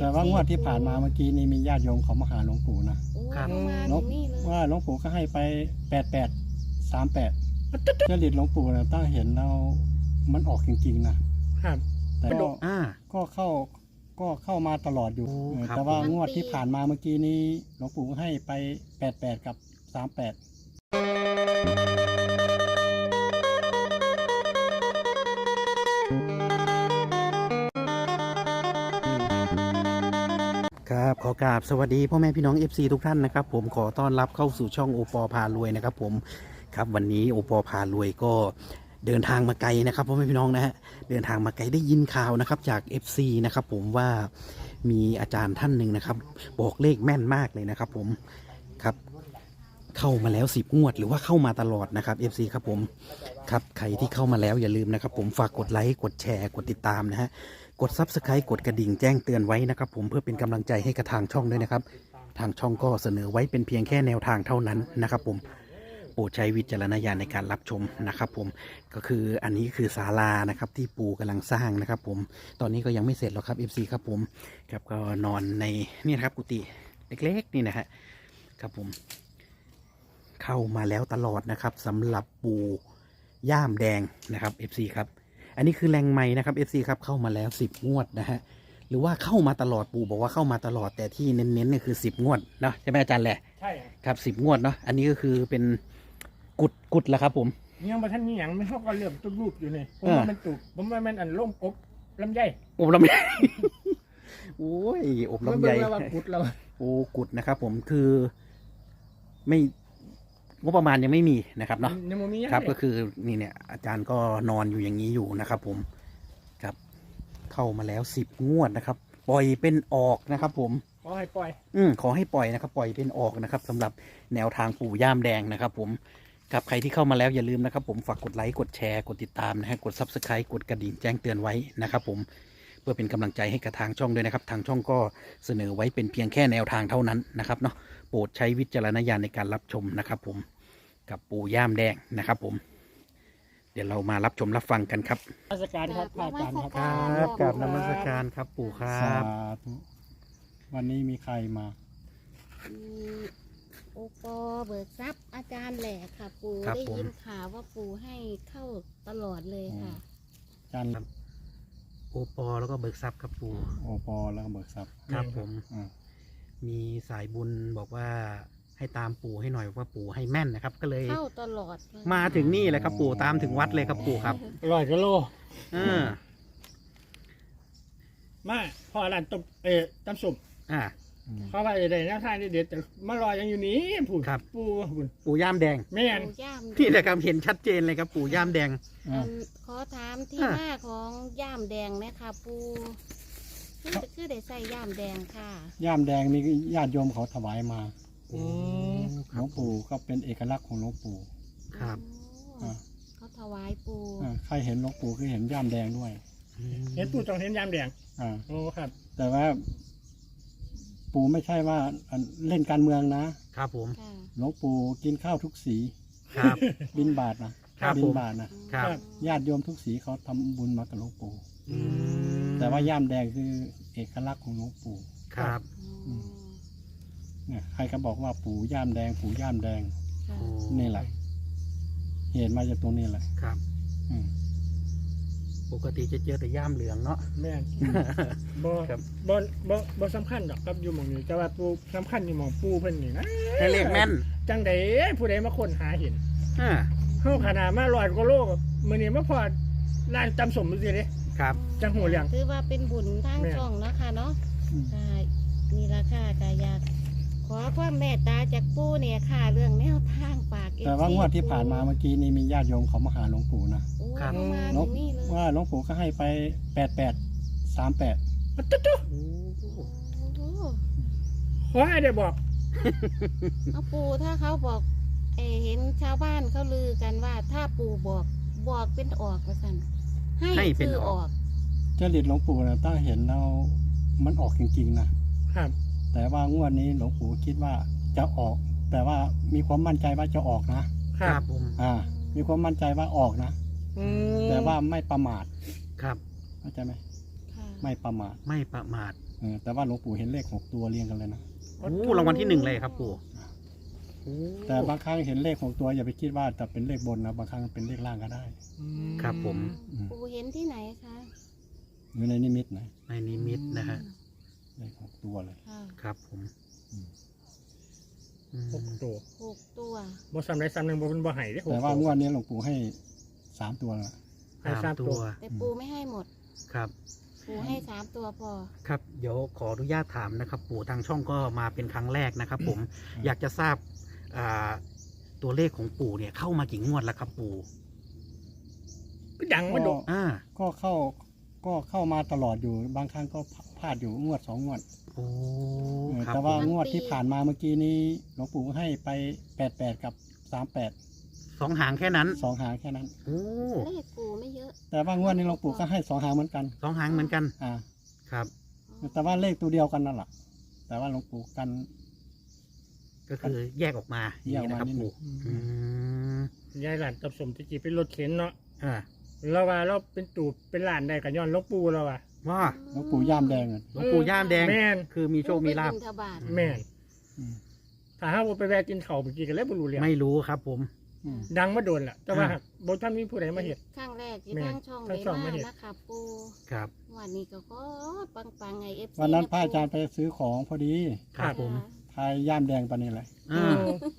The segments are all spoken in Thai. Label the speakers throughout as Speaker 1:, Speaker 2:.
Speaker 1: แต่ว่างวดที่ผ่านมาเมื่อกี้นี้มีญาติโยมเขามาหาหลวงปู่นะ
Speaker 2: โอ้
Speaker 3: ครับ
Speaker 2: เขามา
Speaker 1: หลว
Speaker 2: ถึ
Speaker 1: ง
Speaker 2: งนี่เลย
Speaker 1: ว่าหลวงปู่ก็ให้ไป8838จริตหลวงปู่นะตั้งเห็นแล้วมันออกจริงๆนะครับ แต่ก็
Speaker 3: อ่า
Speaker 1: ก็เข้ามาตลอดอยู่
Speaker 3: โอ้ครับ
Speaker 1: แต่ว่างวดที่ผ่านมาเมื่อกี้นี้หลวงปู่ให้ไป88กับ38
Speaker 3: ครับขอกราบสวัสดีพ่อแม่พี่น้อง FC ทุกท่านนะครับผมขอต้อนรับเข้าสู่ช่องโอปอพารวยนะครับผมครับวันนี้โอปอพารวยก็เดินทางมาไกลนะครับพ่อแม่พี่น้องนะฮะเดินทางมาไกลได้ยินข่าวนะครับจาก FC นะครับผมว่ามีอาจารย์ท่านหนึ่งนะครับบอกเลขแม่นมากเลยนะครับผมครับเข้ามาแล้ว10 งวดหรือว่าเข้ามาตลอดนะครับ FC ครับผมครับใครที่เข้ามาแล้วอย่าลืมนะครับผมฝากกดไลค์กดแชร์กดติดตามนะฮะกด Subscribe กดกระดิ่งแจ้งเตือนไว้นะครับผมเพื่อเป็นกำลังใจให้กับทางช่องด้วยนะครับทางช่องก็เสนอไว้เป็นเพียงแค่แนวทางเท่านั้นนะครับผมโปรดใช้วิจารณญาณในการรับชมนะครับผมก็คืออันนี้คือศาลานะครับที่ปู่กำลังสร้างนะครับผมตอนนี้ก็ยังไม่เสร็จหรอกครับ FC ครับผมครับก็นอนในนี่นะครับกุฏิเล็กๆนี่นะฮะครับผมเข้ามาแล้วตลอดนะครับสำหรับปู่ย่ามแดงนะครับ FC ครับอันนี้คือแรงไม้นะครับ FC ครับเข้ามาแล้ว10 งวดนะฮะหรือว่าเข้ามาตลอดปู่บอกว่าเข้ามาตลอดแต่ที่เน้นๆเนี่ยคือ10 งวดเนาะใช่ไหมอาจารย์แหละ
Speaker 4: ใช่
Speaker 3: ครับ10 งวดเนาะอันนี้ก็คือเป็นกุดแล้วครับผม
Speaker 4: ยังมาท่านมีอย่างไม่เท่ากันเริ่มต้นรูปอยู่นี่ผม
Speaker 3: เออ
Speaker 4: ว่ามันตุกผมว่ามันอันล่มอบลำไย
Speaker 3: อบลำไย โอ้ยอบลำไย
Speaker 4: มันเป็นว่ากุดเรา
Speaker 3: โอ้กุดนะครับผมคือไม่งบประมาณยังไม่มีนะครับเนาะ
Speaker 4: ยังบ่มีอย่าง
Speaker 3: ครับ
Speaker 4: เลย
Speaker 3: ก็คือนี่เนี่ยอาจารย์ก็นอนอยู่อย่างนี้อยู่นะครับผมครับเข้ามาแล้ว10 งวดนะครับปล่อยเป็นออกนะครับผม
Speaker 4: ขอให้ปล่อย
Speaker 3: ขอให้ปล่อยนะครับปล่อยเป็นออกนะครับสำหรับแนวทางปู่ย่ามแดงนะครับผมกับใครที่เข้ามาแล้วอย่าลืมนะครับผมฝากกดไลค์กดแชร์กดติดตามนะฮะกด Subscribe กดกระดิ่งแจ้งเตือนไว้นะครับผมเพื่อเป็นกำลังใจให้กับทางช่องด้วยนะครับทางช่องก็เสนอไว้เป็นเพียงแค่แนวทางเท่านั้นนะครับเนาะโปรดใช้วิจารณญาณในการรับชมนะครับผมกับปู่ย่ามแดงนะครับผมเดี๋ยวเรามารับชมรับฟังกันครับ
Speaker 4: ราชการครับพระอาจารย์ครับ
Speaker 3: ครับกราบนมัสการครับปู่ครั
Speaker 1: สา
Speaker 3: บ
Speaker 1: ธุวันนี้มีใครมา
Speaker 2: โอปอเบิกทรัพย์อาจารย์แหละค่ะ ปู่
Speaker 3: ครับ
Speaker 2: ได้
Speaker 3: ผม
Speaker 2: ยินข่าวว่าปู่ให้เข้าตลอดเลยค่ะ
Speaker 1: จัน
Speaker 3: โอปอแล้วก็เบิกทรัพย์ครับปู่
Speaker 1: โอปอแล้วก็เบิกทรัพย์
Speaker 3: ครับผม
Speaker 1: อ่า
Speaker 3: มีสายบุญบอกว่าให้ตามปู่ให้หน่อยว่าปู่ให้แม่นนะครับ ก็เลย
Speaker 2: เข้าตลอดเลย
Speaker 3: มาถึงนี่เลยครับปู่ตามถึงวัดเลยครับปู่ครับ
Speaker 4: 100 กิโล
Speaker 3: เออ
Speaker 4: มาพ่อร้านต้มตำสุป
Speaker 3: อ่า
Speaker 4: เขาว่าได้แนวทางเด็ดๆแต่มารอยังอยู่นี่ผู้
Speaker 3: ครับ
Speaker 4: ผู้บุญ
Speaker 3: ปู่ย่ามแดง
Speaker 4: แม่น
Speaker 2: ปู่ย่าม
Speaker 3: นี่แหละครับเห็นชัดเจนเลยครับปู่ย่ามแดง
Speaker 1: อ่า
Speaker 2: ขอถามที่
Speaker 3: อ่ะ
Speaker 2: มาของย่ามแดงนะคะปู่คือได้ใส่ย่ามแดงค่ะ
Speaker 1: ย่ามแดงนี่ญาติโยมเขาถวายมา
Speaker 4: อืม
Speaker 1: หลวงปู่ก็เป็นเอกลักษณ์ของหลวงปู่
Speaker 3: ครับ
Speaker 2: โอ้
Speaker 1: อ่า
Speaker 2: เขาถวายปู่
Speaker 1: ใครเห็นหลวงปู่คือเห็นย่ามแดงด้วย
Speaker 4: เห็นปู่ต้องเห็นยามแดง
Speaker 1: อ่า
Speaker 4: โอ้ครับ
Speaker 1: แต่ว่า ปู่ไม่ใช่ว่าเล่นการเมืองนะครับ
Speaker 3: ผม
Speaker 2: ค่ะ
Speaker 1: หลวงปู่กินข้าวทุกสี
Speaker 3: ครับ
Speaker 1: บินบาทนะครับ บิ
Speaker 3: ผม
Speaker 1: บาทนะครับ ญาติโยมทุกสีเขาทำบุญมากับหลวงปู่
Speaker 3: อืม
Speaker 1: แต่ว่าย่ามแดงคือเอกลักษณ์ของหลวงปู่
Speaker 3: ครับ
Speaker 2: อืม
Speaker 1: เนี่ยใครก็บอกว่าปู่ย่ามแดง ปู่ย่ามแดง
Speaker 2: ค่ะ
Speaker 3: โอ้
Speaker 1: นี่แหละ เหตุมาจากตรงนี้แหละ
Speaker 3: ครับ
Speaker 1: อืม
Speaker 3: ปกติจะเจอแต่ย่ามเหลืองเนาะ
Speaker 4: แม่นบ่
Speaker 3: ครับ
Speaker 4: บ่สำคัญดอกครับอยู่หม่องนี้แต่ว่าปู่สำคัญอยู่หม่องปู่เพิ่นนี่นะ
Speaker 3: ให้เลขแม่น
Speaker 4: จังใดผู้ใดมาค้นหาเห็น
Speaker 3: อ่า
Speaker 4: เฮาขนาดมา100 กว่าโลมื้อนี้มาพอร้านตำสมจังซี่เด้
Speaker 3: ครับ
Speaker 4: จังหูเรื่อง
Speaker 2: ถือว่าเป็นบุญทาง
Speaker 4: แม่
Speaker 2: ช่องเนาะค่ะเนาะ
Speaker 1: อืม
Speaker 2: ค่ะนี่ละค่ะก็อยากขอความเมตตาจากปู่เนี่ยค่ะ เรื่องแนวทางปาก
Speaker 1: แต่ว่างวดที่ผ่านมาเมื่อกี้นี้มีญาติโยมเขามาหาหลวงปู่นะ
Speaker 2: โอ้
Speaker 3: ครับ
Speaker 2: เขามา
Speaker 1: หลว
Speaker 2: ถึ
Speaker 1: ง
Speaker 2: งนี่เลย
Speaker 1: ว่าหลวงปู่ก็ให้ไป8838
Speaker 4: อะตุ๊ด
Speaker 3: โอ้
Speaker 2: โอ้
Speaker 4: ๆขอให้ได้บอก
Speaker 2: เอาปู่ถ้าเขาบอกเห็นชาวบ้านเขาลือกันว่า ถ้าปู่บอกเป็นออกว่าสั่นให้เป็นออก
Speaker 1: จริตหลวงปู่นะตั้งเห็นแล้วมันออกจริงๆนะครับ แต่ว่างวดนี้หลวงปู่คิดว่าจะออก แต่ว่ามีความมั่นใจว่าจะออกนะ
Speaker 3: ครับผม
Speaker 1: มีความมั่นใจว่าออกนะ
Speaker 4: อืม
Speaker 1: แต่ว่าไม่ประมาท
Speaker 3: ครับ
Speaker 1: เข้าใจไหม
Speaker 2: ค่ะ
Speaker 1: ไม่ประมาท
Speaker 3: ไม่ประมาท
Speaker 1: อแต่ว่าหลวงปู่เห็นเลข6 ตัวเรียงกันเลยนะ
Speaker 3: โอ้รางวัลที่ 1เลยครับปู่โอ้
Speaker 1: แต่บางครั้งเห็นเลข6 ตัวอย่าไปคิดว่าจะเป็นเลขบนนะบางครั้งเป็นเลขล่างก็ได้
Speaker 3: ครับผม
Speaker 2: ปู่เห็นที่ไหนคะ
Speaker 1: อยู่ในนิมิตนะ
Speaker 3: ในนิมิตนะฮะ
Speaker 1: เลข6 ตัวเลย
Speaker 2: ค่ะ
Speaker 3: ครับผม
Speaker 1: อืม
Speaker 3: อืม
Speaker 4: 6 ตัว
Speaker 2: 6 ตัว
Speaker 4: บ่ซ้ำใดซ้ำหนึ่งบ่เป็นบ่ไห้เด้
Speaker 1: แต่ว่างวดนี้หลวงปู่ให้3 ตัวละ
Speaker 4: ให้
Speaker 3: สาม
Speaker 4: สาม
Speaker 3: ตั
Speaker 4: ตัว ว
Speaker 2: แต่ปู่ไม่ให้หมด
Speaker 3: ครับ
Speaker 2: ปู่ให้3 ตัวพอ
Speaker 3: ครับเดี๋ยวขออนุญาตถามนะครับ ปู่ทางช่องก็มาเป็นครั้งแรกนะครับ ผมอยากจะทราบตัวเลขของปู่เนี่ยเข้ามากี่งวดแล้วครับปู่
Speaker 4: ก็ดังมาโดด
Speaker 1: ก็เข้ามาตลอดอยู่บางครั้งก็พลาดอยู่งวด2 งวด
Speaker 3: โอ้ครับ
Speaker 1: แต่ว่า
Speaker 3: ผม
Speaker 1: งวดที่ผ่านมาเมื่อกี้นี้หลวงปู่ให้ไป88กับ38
Speaker 3: 2 หางแค่นั้น
Speaker 1: 2 หางแค่นั้น
Speaker 3: โอ้
Speaker 2: เลขปู่ไม่เยอะ
Speaker 1: แต่ว่างวดนี้หลวงปู่ก็ให้2 หางเหมือนกัน
Speaker 3: 2 หางเหมือนกัน
Speaker 1: อ่า
Speaker 3: ครับ
Speaker 1: แต่ว่าเลขตัวเดียวกันนั่นแหละแต่ว่าหลวงปู่กัน
Speaker 3: ก็คือแยกออกมาอย่างนี้นะครับ
Speaker 1: แยกออกมานิดหนึ่
Speaker 3: ปู่
Speaker 1: ง
Speaker 3: อืม
Speaker 4: ยายหลานตับสมตะกี้เป็นรถเข็นเนาะ
Speaker 3: อ่า
Speaker 4: เราว่าเราเป็นตูบเป็นหลานได้กับย้อนหลวงปู่เราว่ะ
Speaker 3: ว่า
Speaker 1: หลวงปู่ย่ามแดงอะ
Speaker 3: หลวงปู่ย่ามแดง
Speaker 4: แม่น
Speaker 3: คือมีโชคมีลาภ
Speaker 2: ปู่ไปบิณฑบาต
Speaker 4: แม่น
Speaker 1: อืม
Speaker 4: ถ้าหาว่าไปแวะกินข้าวเมื่อกี้กันแล้วบ่รู้เรื่อง
Speaker 3: ไม่รู้ครับผม
Speaker 1: อืม
Speaker 4: ดังมาโดนแหละแต่ว่า
Speaker 3: อ่า
Speaker 4: บ่ทันมีผู้ใดมาเฮ็ด
Speaker 2: ครั้งแรกที่
Speaker 4: แม่
Speaker 2: ทางช่อง
Speaker 4: ทางช่อง
Speaker 2: ได้
Speaker 4: มาเห็น
Speaker 2: นะคะปู่
Speaker 3: ครับ
Speaker 2: วันนี้ก็ปังไง FC
Speaker 1: วันนั้นพระอาจารย์ไปซื้อของพอดี
Speaker 3: ครับผม
Speaker 1: ทายย่ามแดงปานนี้เลย
Speaker 3: อ่า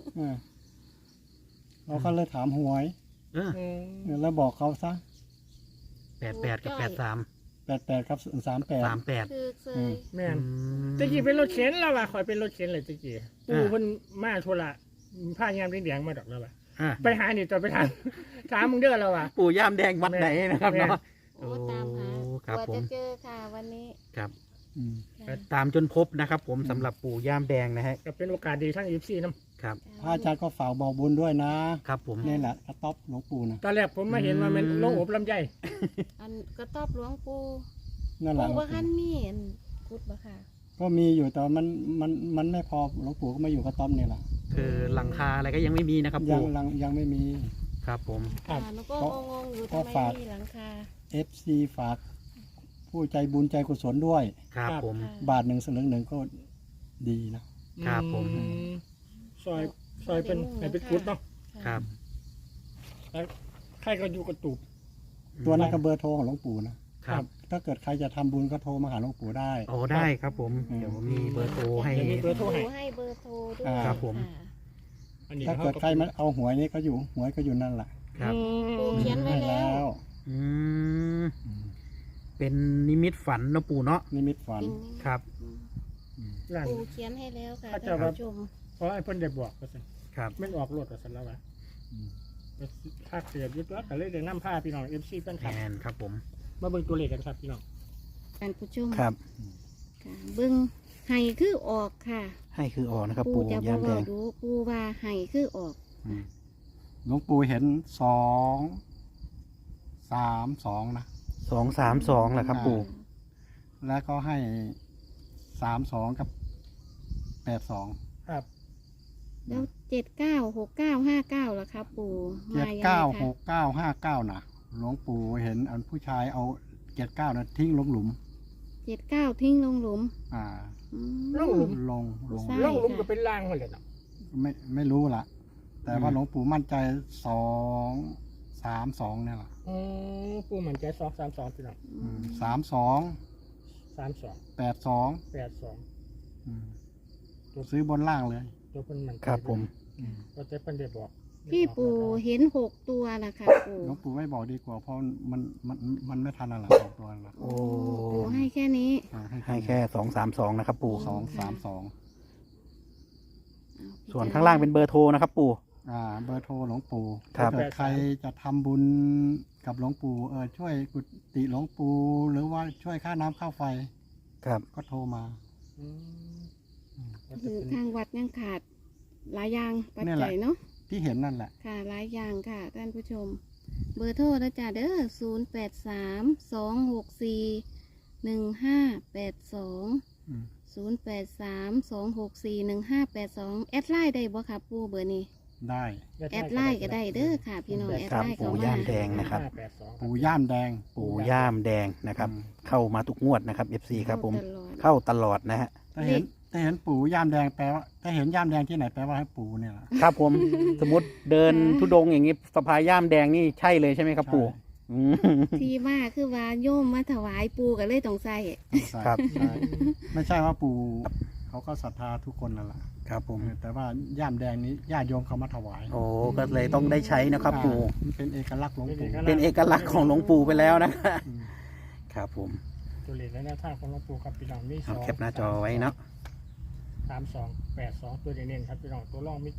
Speaker 1: เราก็เลยถามหวย
Speaker 3: เออ
Speaker 1: แล้วบอกเขาซะ
Speaker 3: 88 กับ
Speaker 1: 88กับ
Speaker 3: 83
Speaker 1: 38
Speaker 3: 38
Speaker 2: คือเค
Speaker 1: อื
Speaker 2: ย
Speaker 1: ม
Speaker 4: แม่น
Speaker 3: อืม
Speaker 4: ตะกี้เป็นรถเข็นแล้วว่ะข่อยเป็นรถเข็นเลยตะกี้ปู่
Speaker 3: อ่า
Speaker 4: เพิ่นมาธุระผ้ายามแดงๆมาดอกแล้วว่ะ
Speaker 3: อ่ะ
Speaker 4: ไปหานี่ต่อไปถาม ถามมึงเด้อแล้วว่ะ
Speaker 3: ปู่ย่ามแดงวัดไหนนะครับ
Speaker 4: แม่
Speaker 3: เนาะ
Speaker 2: โอ้ตามหา
Speaker 3: ครับ
Speaker 2: กว่า
Speaker 3: ผม
Speaker 2: จะเจอค่ะวันนี้
Speaker 3: ครับ
Speaker 1: อืม
Speaker 2: ค่ะ
Speaker 3: ตามจนพบนะครับ ผมสำหรับปู่ย่ามแดงนะฮะ
Speaker 4: ก็เป็นโอกาสดีทั้ง24นำ
Speaker 3: ครับ
Speaker 1: พระอาจารย์ก็ฝากบอกบุญด้วยนะครับ
Speaker 3: ผม
Speaker 1: นี่แหละกระต๊อบหลวงปู่นะ
Speaker 4: ตอนแรกผมมาเห็นว่ามันโลงอบลำไย
Speaker 2: อันกระต๊อบหลวงปู่
Speaker 1: นั่นแหละ
Speaker 2: ปู่ว่าคันมีอันกุดบ่ค่ะ
Speaker 1: ก็มีอยู่แต่มันไม่พอหลวงปู่ก็มาอยู่กระต๊อบนี่แหละ
Speaker 3: คือหลังคาอะไรก็ยังไม่มีนะครับ
Speaker 1: ยัง
Speaker 3: ปู่
Speaker 1: ยังไม่มี
Speaker 3: ครับผม
Speaker 4: ครับ
Speaker 2: หนูก็งงๆอยู่
Speaker 1: ก็
Speaker 2: ทำไม
Speaker 1: ฝาก
Speaker 2: มีหลังคา
Speaker 1: FC ฝากผู้ใจบุญใจกุศลด้วย
Speaker 3: ครับผม
Speaker 2: ค่ะ
Speaker 1: บาท1 สลึง 1ก็ดีนะ
Speaker 3: ครับผม
Speaker 4: ซอยเป็นให้เป็นกุดเนาะ
Speaker 3: ครับ
Speaker 4: แล้วใครก็อยู่กระตูบ
Speaker 1: ตัวนั้นก็เบอร์โทรของหลวงปู่นะครับ ถ้าเกิดใครจะทำบุญก็โทรมาหาหลวงปู่ได้
Speaker 3: โอ้ได้ครับผม เดี๋ยวมีเบอร์โทรให้
Speaker 4: เดี๋ยวมีเบอร์โทรให้
Speaker 2: ปู่ให้เบอร์โทรด้วย
Speaker 3: ครับผม
Speaker 2: ะ
Speaker 4: อันนี้
Speaker 1: ถ้าเกิดใครมาเอาหวยนี่ก็อยู่หวยก็อยู่นั่นแหละ
Speaker 3: ครับ
Speaker 2: ปู่เขียนไว้
Speaker 1: ให้
Speaker 2: แล้ว
Speaker 3: อืมเป็นนิมิตฝันเนอะปู่เนาะ
Speaker 1: นิมิตฝัน
Speaker 2: เป็นนี่
Speaker 3: ครับ
Speaker 2: อืม
Speaker 4: ร้าน
Speaker 2: ปู่เขียนให้แล้วค่ะ
Speaker 4: เขาจะ
Speaker 2: ท่าน
Speaker 4: ว่า
Speaker 2: ผู้ชม
Speaker 4: เพราะไอ้เพิ่นได้บอกก็สิ
Speaker 3: ครับ
Speaker 4: มันออกรถก็สิแล้ววะ
Speaker 1: อืม
Speaker 4: ภาคเสียยึดรถก็เลยได้นำผ้าพี่น้อง FC แฟนค
Speaker 3: แม
Speaker 4: ลับ
Speaker 3: นครับผม
Speaker 4: มาเบิ่งตัวเลขกันครับพี่น้อง
Speaker 2: ท่านผู้ชม
Speaker 3: ครับ
Speaker 2: ค่ะเบิ้งไห้คือออกค่ะ
Speaker 3: ให้คือออกนะครับ
Speaker 2: ปู่
Speaker 3: ปู่
Speaker 2: จะบ
Speaker 3: ย่า
Speaker 2: อ
Speaker 3: มแด
Speaker 2: ก
Speaker 3: ง
Speaker 2: ดูปู่ว่าไห้คือออก
Speaker 1: อืมหลวงปู่เห็น2 3 2นะ
Speaker 3: 232แหละครับ ปู่
Speaker 1: แล้วก็ให้32กับ82
Speaker 4: ครับ
Speaker 2: แล้ว796959ล่ะครับปู่มายังไงคะ
Speaker 1: 796959นะหลวงปู่เห็นอันผู้ชายเอา79นะทิ้งลงหลุม
Speaker 2: 79ทิ้งลงหลุม
Speaker 1: อ่า
Speaker 2: อืม
Speaker 4: ลงหลุม
Speaker 1: ลง
Speaker 2: ใช่
Speaker 4: ล่องหลุมก็เป็นล่างหมดเลยเนาะ
Speaker 1: ไม่รู้ละแต่ว่าหลวงปู่มั่นใจ232เนี่ยแหละ
Speaker 4: ปู่มันใจ232พี่น้อง
Speaker 2: อืม
Speaker 1: 32
Speaker 4: 32
Speaker 1: 82
Speaker 4: 82
Speaker 1: อืมซื้อบนล่างเลย
Speaker 4: ตัวเพิ่นมันใจ
Speaker 3: ครับผม
Speaker 4: ก็จะเพิ่นได้บอก
Speaker 2: ที่ปู่เห็น6ตัวนะคะปู่
Speaker 1: หลวงปู่ไม่บอกดีกว่าเพราะมันไม่ทันอะไรออกตัวละ
Speaker 3: โอ้
Speaker 2: ปู่ให้แค่นี้
Speaker 3: ให้แค่232นะครับ ปู่
Speaker 1: 232
Speaker 3: ส่วนข้างล่างเป็นเบอร์โทรนะครับ ปู่
Speaker 1: เบอร์โทรหลวงปู่
Speaker 3: ครับ
Speaker 1: ถ้าเกิดใครจะทำบุญกับหลวงปู่ช่วยกุฏิหลวงปู่หรือว่าช่วยค่าน้ำค่าไฟ
Speaker 3: ครับ
Speaker 1: ก็โทรมา
Speaker 2: คือทางวัดยังขาดหลายอย่างปัจ
Speaker 1: นี่แห
Speaker 2: จั
Speaker 1: ละ
Speaker 2: ยเนาะ
Speaker 1: ที่เห็นนั่นแหละ
Speaker 2: ค่ะหลายอย่างค่ะท่านผู้ชม เบอร์โทรนะจ๊ะเด้อ0832641582
Speaker 1: อืม
Speaker 2: 0832641582แอดไลน์ได้บ่ครับปู่เบอร์นี้
Speaker 1: ได้
Speaker 2: แอดไลน์ก็ได้เด้อค่ะ พี่น้องแอด
Speaker 3: ครับ
Speaker 2: ไลน์เข้า
Speaker 3: ปู่
Speaker 2: มา
Speaker 3: ย่ามแดงนะครับ
Speaker 4: 582
Speaker 1: ปู่ย่ามแดง
Speaker 3: ปู่ย่ามแดงนะครับ เข้ามาทุกงวดนะครับ FC ครับผม
Speaker 2: เข้าตลอด
Speaker 3: เข้าตลอดนะฮะ
Speaker 1: ถ้าเห็นปู่ย่ามแดงแปลว่าถ้าเห็นย่ามแดงที่ไหนแปลว่าให้ปู่เนี่ยแหละ
Speaker 3: ครับผม สมมติเดินทุดงค์อย่างนี้สะพายย่ามแดงนี่ใช่เลยใช่ไหมครับปู่อืม
Speaker 2: ที่มาคือว่าโยมมาถวายปูก็เลยต้องใส่
Speaker 3: ครับ
Speaker 1: ใช่ไม่ใช่ว่าปู่เขาก็ศรัทธาทุกคนนั่นแหละ
Speaker 3: ครับผม
Speaker 1: แต่ว่าย่ามแดงนี้ญาติโยมเขามาถวาย
Speaker 3: โอ้ก็เลยต้องได้ใช้นะครับปู่
Speaker 1: มันเป็นเอกลักษณ์หลวงปู่
Speaker 3: เป็นเอกลักษณ์ของหลวงปู่ไปแล้วนะ
Speaker 1: อืม
Speaker 3: ครับผม
Speaker 4: ตัวเลขและแนวทางของหลวงปู่ครับพี่น้องมี
Speaker 3: เอาแคปหน้าจอไว้เนาะ
Speaker 4: 3282ตัวเด่นๆครับพี่น้องตัวรองมี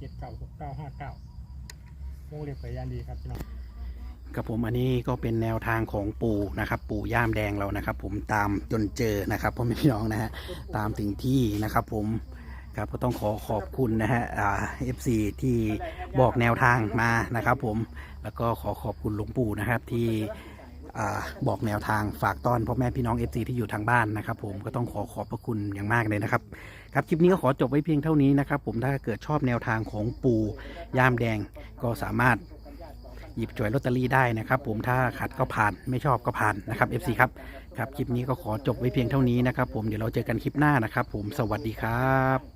Speaker 4: 796959วงเล็บไปยานดีครับพี่น้อง
Speaker 3: ครับผมอันนี้ก็เป็นแนวทางของปู่นะครับ ปู่ย่ามแดงเรานะครับ ผมตามจนเจอนะครับพ่อแม่พี่น้องนะฮะตามถึงที่นะครับ ผมครับก็ต้องขอบคุณนะฮะFC ที่บอกแนวทางมานะครับ ผมแล้วก็ขอบคุณหลวงปู่นะครับที่บอกแนวทางฝากต้อนพ่อแม่พี่น้อง FC ที่อยู่ทางบ้านนะครับ ผมก็ต้องขอบพระคุณอย่างมากเลยนะครับครับคลิปนี้ก็ขอจบไว้เพียงเท่านี้นะครับ ผมถ้าเกิดชอบแนวทางของปู่ย่ามแดงก็สามารถหยิบจ่วยลอตเตอรี่ได้นะครับ ผมถ้าขัดก็ผ่านไม่ชอบก็ผ่านนะครับ FC ครับครับคลิปนี้ก็ขอจบไว้เพียงเท่านี้นะครับ ผมเดี๋ยวเราเจอกันคลิปหน้านะครับ ผมสวัสดีครับ